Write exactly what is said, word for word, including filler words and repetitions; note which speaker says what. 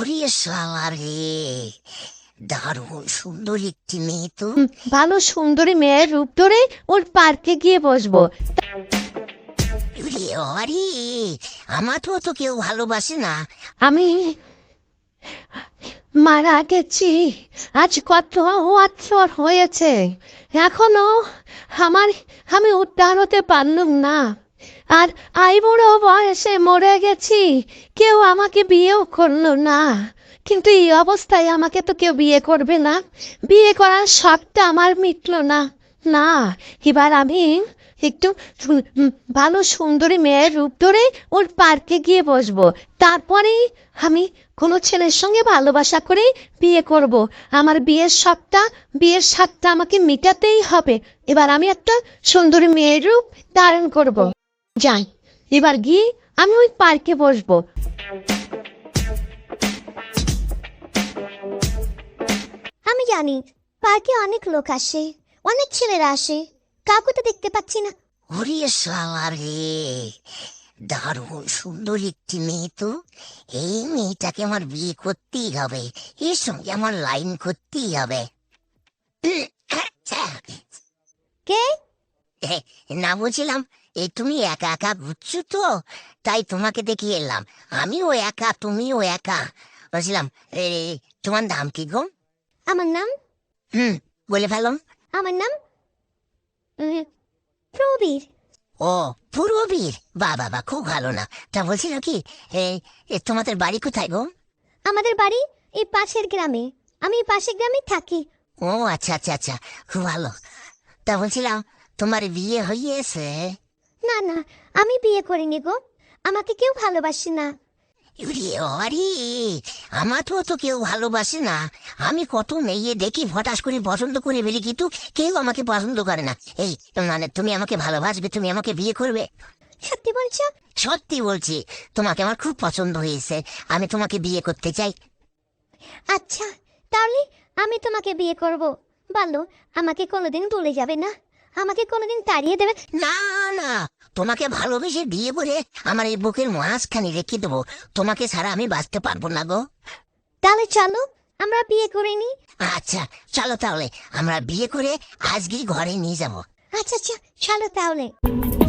Speaker 1: ওরে শালা রে, দারুণ সুন্দর একটি মেয়ে তো।
Speaker 2: হুম, ভালো সুন্দরী মেয়ের রূপ ধরে ওর পার্কে গিয়ে বসবো।
Speaker 1: ওরে আরে, আমার তো তো কেউ ভালোবাসে না।
Speaker 2: আমি মারা গেছি, আজ কত বছর হয়েছে, এখনো আমার আমি উদ্ধার হতে পারলাম না। আর আই বুড়ো বয়সে মরে গেছি, কেউ আমাকে বিয়েও করলো না। কিন্তু এই অবস্থায় আমাকে তো কেউ বিয়ে করবে না, বিয়ে করার শখটা আমার মিটলো না। না, এবার আমি একটু সু- উম, ভালো সুন্দরী মেয়ের রূপ ধরে ওর পার্কে গিয়ে বসবো। তারপরেই আমি কোনো ছেলের সঙ্গে ভালোবাসা করে বিয়ে করব। আমার বিয়ের শখটা, বিয়ের স্বাদটা আমাকে মেটাতেই হবে। এবার আমি একটা সুন্দরী মেয়ের রূপ ধারণ করব। যাই, এবার গিয়ে আমি ওই পার্কে বসবো।
Speaker 3: আমি জানি পার্কে অনেক লোক আসে, অনেক ছেলেরা আসে, কাউকে তো দেখতে পাচ্ছি না।
Speaker 1: ওরে শালা রে, দারুণ সুন্দর একটি মেয়ে তো। এই মেয়েটাকে আমার বিয়ে করতেই হবে, এর সঙ্গে আমার লাইন করতেই হবে।
Speaker 3: কে?
Speaker 1: এ, না বলছিলাম, এই তুমি একা একা ঘুরছো তো, তাই তোমাকে দেখে এলাম। আমিও একা, তুমিও একা। বলছিলাম, এ, তোমার নাম কি গো?
Speaker 3: আমার নাম
Speaker 1: হুম, বলে ফেলাম।
Speaker 3: আমার নাম উম, প্রবীর।
Speaker 1: ও, পূর্ববীর। বা বাবা, খুব ভালো না। তা বলছিল কি, এ, এ, তোমাদের বাড়ি কোথায় গো?
Speaker 3: আমাদের বাড়ি এই পাশের গ্রামে, আমি এই পাশের গ্রামে থাকি।
Speaker 1: ও আচ্ছা আচ্ছা আচ্ছা, খুব ভালো। তা বলছিলাম, তোমার বিয়ে হইয়েছে?
Speaker 3: না না, আমি বিয়ে করিনি গো, আমাকে কেউ ভালোবাসে না।
Speaker 1: ইউরে আরে, আমার তো তো কেউ ভালোবাসে না। আমি কত মেয়ে দেখি, হঠাৎ করে পছন্দ করে ফেলি, কিন্তু কেউ আমাকে পছন্দ করে না। এই, মানে তুমি আমাকে ভালোবাসবে, তুমি আমাকে বিয়ে করবে?
Speaker 3: সত্যি বলছো?
Speaker 1: সত্যি বলছি, তোমাকে আমার খুব পছন্দ হয়েছে, আমি তোমাকে বিয়ে করতে চাই।
Speaker 3: আচ্ছা, তাহলে আমি তোমাকে বিয়ে করব। বলো, আমাকে কোনোদিন ভুলে যাবে না, আমাকে কোনোদিন তাড়িয়ে দেবে?
Speaker 1: না না, তোমাকে ভালোবেসে বিয়ে করে আমার এই বুকের মাঝখানে রেখে দেবো। তোমাকে ছাড়া আমি বাঁচতে পারবো না গো।
Speaker 3: তাহলে চলো আমরা বিয়ে করে নিই।
Speaker 1: আচ্ছা, চলো তাহলে আমরা বিয়ে করে আজকে ঘরে নিয়ে যাবো।
Speaker 3: আচ্ছা আচ্ছা, চলো তাহলে।